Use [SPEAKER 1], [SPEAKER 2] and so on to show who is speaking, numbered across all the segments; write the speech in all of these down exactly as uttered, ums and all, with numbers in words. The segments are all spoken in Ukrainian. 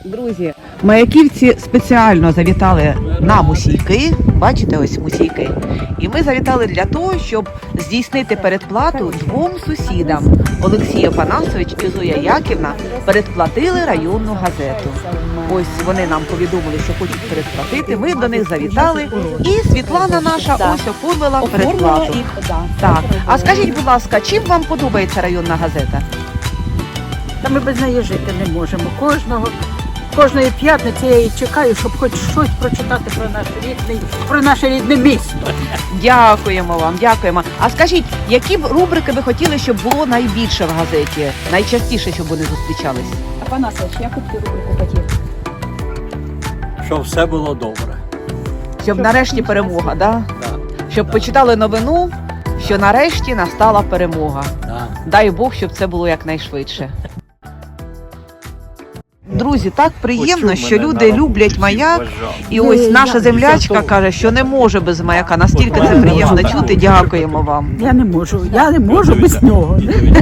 [SPEAKER 1] Друзі, маяківці спеціально завітали на Мусійки. Бачите, ось Мусійки. І ми завітали для того, щоб здійснити передплату двом сусідам. Олексій Опанасович і Зоя Яківна передплатили районну газету. Ось вони нам повідомили, що хочуть передплатити. Ми до них завітали. І Світлана наша ось оформила передплату. Так. А скажіть, будь ласка, чим вам подобається районна газета?
[SPEAKER 2] Та ми без неї жити не можемо. Кожного, кожної п'ятниці я її чекаю, щоб хоч щось прочитати про наш рідний, про наше рідне місто.
[SPEAKER 1] Дякуємо вам, дякуємо. А скажіть, які б рубрики ви хотіли, щоб було найбільше в газеті? Найчастіше, щоб вони зустрічались?
[SPEAKER 3] Опанасович, яку б ти рубрику хотів?
[SPEAKER 4] Щоб все було добре.
[SPEAKER 1] Щоб нарешті перемога, да?
[SPEAKER 4] Да.
[SPEAKER 1] Щоб почитали новину, що нарешті настала перемога.
[SPEAKER 4] Да.
[SPEAKER 1] Дай Бог, щоб це було якнайшвидше. Друзі, так приємно,
[SPEAKER 4] Почув
[SPEAKER 1] що
[SPEAKER 4] мене
[SPEAKER 1] люди
[SPEAKER 4] на
[SPEAKER 1] люблять
[SPEAKER 4] роботі,
[SPEAKER 1] маяк.
[SPEAKER 4] вважав.
[SPEAKER 1] І ось
[SPEAKER 2] Ні,
[SPEAKER 1] наша
[SPEAKER 2] я-
[SPEAKER 1] землячка
[SPEAKER 4] Зато-
[SPEAKER 1] каже, що не може без маяка. Настільки це приємно чути. Дякуємо вам.
[SPEAKER 2] Я не можу, я не можу без нього.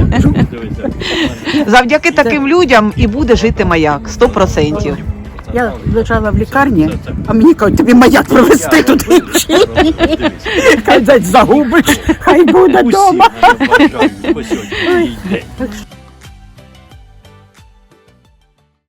[SPEAKER 1] Завдяки таким людям і буде жити маяк. Сто процентів.
[SPEAKER 2] Я лежала в лікарні, а мені кажуть, тобі маяк провести туди. Хай десь загубиш, хай буде вдома.
[SPEAKER 4] Усі, я бажаю, ось сьогодні, їй день.